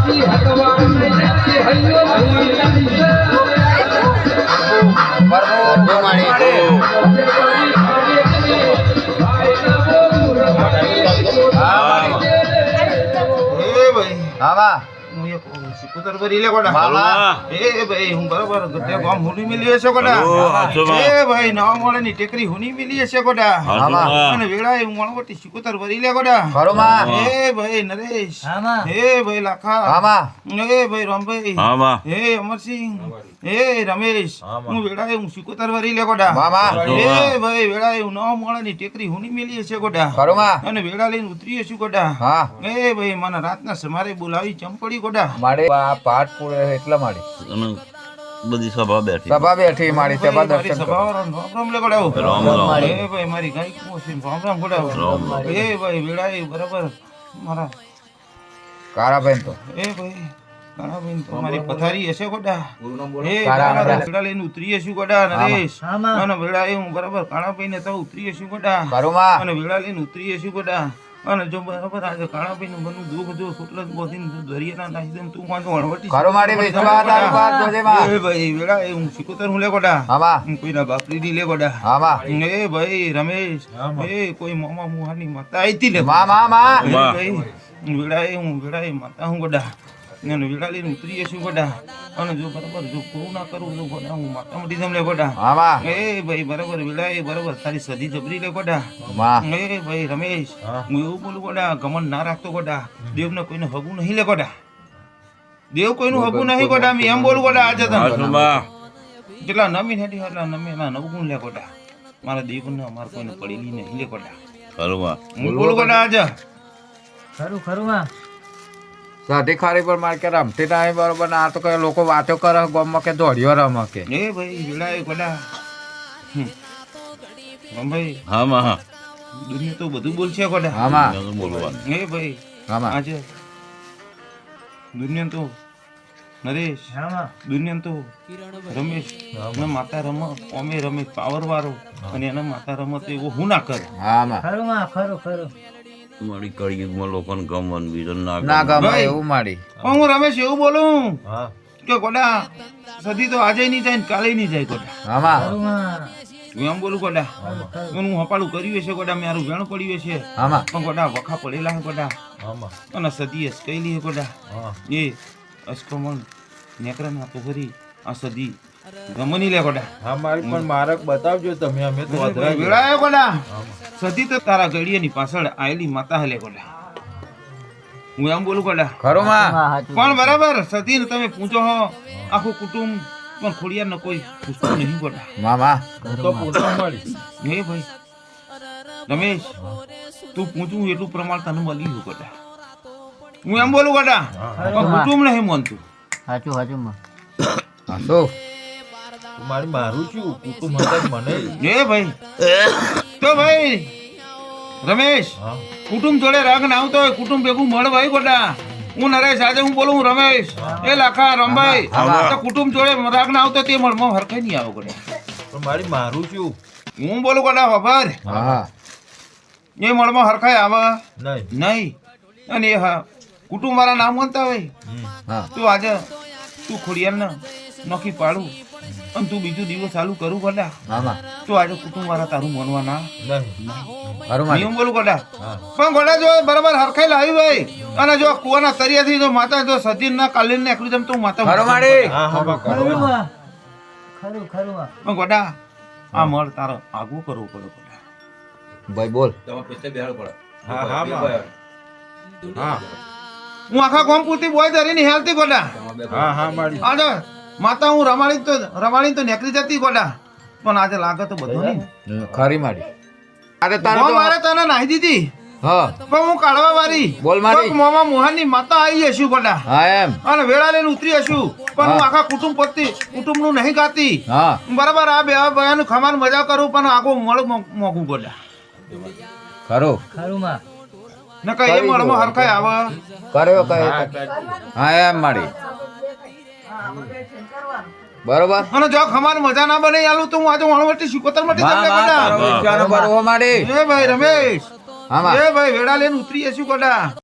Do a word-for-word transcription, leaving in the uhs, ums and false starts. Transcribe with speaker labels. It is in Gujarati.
Speaker 1: સિકોતર ભરી લે કોડા મામા એ ભાઈ હું બરોબર ગતે ગામ હુની મિલી છે કોડા એ ભાઈ નવા મોળે ની ટેકરી હુની મિલી છે કોડા મામા અને વેળાએ હું મણવટી સિકોતર ભરી લે કોડા બરોબર એ ભાઈ નરેશ મામા એ ભાઈ લાખા મામા એ ભાઈ રામભાઈ મામા એ અમરસિંહ એ રમેશ હું વેળાએ હું સિકોતર ભરી લે કોડા મામા એ ભાઈ વેળાએ હું નવા મોળે ની ટેકરી હુની મિલી છે કોડા બરોબર અને વેળા લઈને ઉતરી છું કોડા હા એ ભાઈ મને રાતના સમારે બોલાવી ચંપડી કોડા
Speaker 2: મારે આ પાઠ પૂરે એટલા માડી
Speaker 3: અને બધી સભા બેઠી
Speaker 2: સભા બેઠી મારી સભા દર્શન
Speaker 1: સભા રામ રામ લે કોડાવ
Speaker 3: રામ રામ
Speaker 1: એ ભાઈ મારી ગાય કો છે રામ રામ કોડાવ એ ભાઈ વેળાએ બરાબર મારા
Speaker 2: કારાબેન તો
Speaker 1: એ ભાઈ કારાબેન તો મારી પથારી હશે કોડા એ કારા વેળા લઈને ઉતરી છું કોડા નરેશ અને વેળાએ હું બરાબર કાળાભાઈ ને તો ઉતરી છું કોડા
Speaker 2: કરુમા
Speaker 1: અને વેળા લઈને ઉતરી છું કોડા અને જો બરાબર આજે કાળાભાઈ નું બનું દુઃખ જો સુટલ બોધીને દરિયાના નાખી દઉં તું વાંધો વણવટી
Speaker 2: કරු મારી વિશ્વા તારી વાત જોજે માં
Speaker 1: એ ભાઈ વેળા એ હું સિકોતર હું લે કોડા
Speaker 2: હામા
Speaker 1: હું કોઈના બાપરી ની લે કોડા
Speaker 2: હામા
Speaker 1: એ ભાઈ રમેશ એ કોઈ મામા મુહાની માતા આઈતી લે
Speaker 2: મા મા મા
Speaker 1: ભાઈ વેળા એ હું વેળા એ માતા હું કોડા ને વેળા લઈને ઉતરી છું કોડા અને જો બરાબર જો પૂરું ના કરું તો કોડા હું માતા મટી જમ લે કોડા
Speaker 2: હામા
Speaker 1: એ ભાઈ બરાબર વેળા એ બરાબર તારી સદી જબરી લે કોડા
Speaker 2: મા
Speaker 1: એ ભાઈ રમેશ હું એવું બોલું કોડા ગમન ના રાખતો કોડા દેવને કોઈને હગું નહીં લે કોડા દેવ કોઈનું હગું નહીં કોડા મેં એમ બોલું કોડા આજે તને જેટલા નમી હેઠી એટલા નમી એના નવગુણ લે કોડા મારા દેવને અમારે કોઈને પડેલી નહીં લે કોડા
Speaker 3: ખરું
Speaker 1: હું બોલું કોડા આજે
Speaker 4: ખરું ખરું માં
Speaker 2: સાધી ખારી પર માર કે રમતી ના બરોબર આ તો કઈ લોકો વાતો કરે ગામમાં કે દોડ્યો રમે કે
Speaker 1: એ ભાઈ વેળાએ કોડા ભાઈ
Speaker 3: હા માં હા
Speaker 1: દુનિયા તો બધું બોલશે કોડા
Speaker 2: હામા
Speaker 3: બોલવાનું
Speaker 1: એ ભાઈ
Speaker 2: હામા
Speaker 1: આજે દુનિયા તો નરેશ દુનિયા તો રમેશ ને માતા રમ ઓમે રમેશ પાવર વાળો અને એના માતા રમત એવો હું ના કરે
Speaker 2: હામા
Speaker 4: ખરું માં ખરું ખરું
Speaker 3: મારી કળિયુગમાં લોકોને ગમવાનું બીજું ના
Speaker 2: ના ગમે
Speaker 1: ભાઈ.
Speaker 2: એવું માડી
Speaker 1: પણ હું રમેશ એવું બોલું કે કોડા સદી તો આજે નહીં જાય ને કાલે નહીં જાય કોડા
Speaker 2: હામા
Speaker 4: ખરું માં
Speaker 1: હું એમ બોલું કોડા હું હપાળું કર્યું છે કોડા મારું વેણ પડ્યું છે
Speaker 2: હામા
Speaker 1: પણ કોડા વખા પડેલા છે કોડા અને સદી અસકેલી છે કોડા એ અસ્કમણ નેકરા ના તો ભરી આ સદી ગમની લે કોડા
Speaker 5: હા મારી પણ મારક બતાવજો તમે અમે તો અધરાઈ ગયા.
Speaker 1: વેળાએ કોડા સદી તો તારા ગળિયાની પાછળ આયેલી માતા હલે કોડા હું એમ બોલું કોડા
Speaker 2: ખરું માં
Speaker 1: પણ બરાબર સદી ને તમે પૂછો હો આખું કુટુંબ પણ ખોડિયાર ને કોઈ પૂછતું નહીં કોડા
Speaker 2: મામા
Speaker 5: તો પૂછવા મળી
Speaker 1: હે ભાઈ રમેશ તું પૂછું એટલું પ્રમાણ તને મળી ગયું કોડા હું એમ બોલું કોડા પણ કુટુંબ નહીં માનતું
Speaker 4: સાચું સાચું માં
Speaker 2: હાસો
Speaker 5: મારી મારું છું કુટુંબ હતા જ મને
Speaker 1: હે ભાઈ તો ભાઈ રમેશ કુટુંબ જોડે રાગ ના આવતો હોય કુટુંબ ભેગું મળ ભાઈ કોડા હું નરેશ આજે હું બોલું હું રમેશ એ લાખા રમભાઈ તો કુટુંબ જોડે રાગ ના આવતો તે મળમાં હરખાઈ નહીં આવે કોડા
Speaker 5: પણ મારી મારું છું
Speaker 1: હું બોલું કોડા ખબર
Speaker 2: હા
Speaker 1: એ મળમાં હરખાઈ આવે
Speaker 5: નહીં
Speaker 1: નહીં અને એ હા કુટુંબ વાળા નામ માનતા હોય
Speaker 2: હા
Speaker 1: તું આજે તું ખોડિયાર ને નોખી પાડું અને તું બીજું દિવસ ચાલુ કરું કોડા
Speaker 2: મામા
Speaker 1: તો આજે કુટુંબ વાળા તારું માનવા ના
Speaker 5: નહીં
Speaker 2: ખરું માં
Speaker 1: નિયમ બોલું કોડા પણ કોડા જો બરાબર હરખાઈ લાવી ભાઈ અને જો કુવાના તરિયાથી જો માતા જો સતીન ના કાલીન ને એકલું જમ તું માતા
Speaker 2: ખરું માડી
Speaker 5: હા હા બા
Speaker 4: ખરું
Speaker 5: કરો
Speaker 4: માં ખરું ખરું માં
Speaker 1: પણ કોડા આ મળ તારો આગું કરવું પડે કોડા
Speaker 2: ભાઈ બોલ
Speaker 5: હા હા બા હા
Speaker 1: હું આખા ગામ પૂરતી બોય ધરીને હેલતી કોડા
Speaker 5: હા હા મારી
Speaker 1: આજે માતા હું રમાડી તો રમાડી તો નીકળી જતી કોડા પણ આજે લાગે તો બધું નહીં
Speaker 2: ખરી માડી અરે તારે
Speaker 1: હું
Speaker 2: તો
Speaker 1: મારે તને નાહી દીધી
Speaker 2: હા
Speaker 1: પણ હું કાઢવા વાળી
Speaker 2: બોલ મારી.
Speaker 1: કોક મોમાં મોહનની માતા આવી હશું કોડા
Speaker 2: હા એમ
Speaker 1: અને વેળા લઈને ઉતરી હશું પણ હું આખા કુટુંબ પતિ કુટુંબ નું નહીં ગાતી
Speaker 2: હા
Speaker 1: બરાબર આ બે બયાનું ખમાન મજા કરું પણ આગો મળ મોગું કોડા
Speaker 2: ખરું
Speaker 4: ખરું માં
Speaker 1: ને કઈ એ મળમાં હરખાઈ આવે
Speaker 2: કર્યો કઈ હા એમ માડી બરોબર
Speaker 1: અને જો ખમાન મજા ના બને આલું તો હું આજે વણવટી સિકોતર માટે
Speaker 2: માં
Speaker 1: તમને
Speaker 2: માં તારો
Speaker 1: કોડા
Speaker 2: વિચાર બરોબર માડી
Speaker 1: એ ભાઈ રમેશ
Speaker 2: હા માં
Speaker 1: એ ભાઈ વેળા લઈને ઉતરી હશું કોડા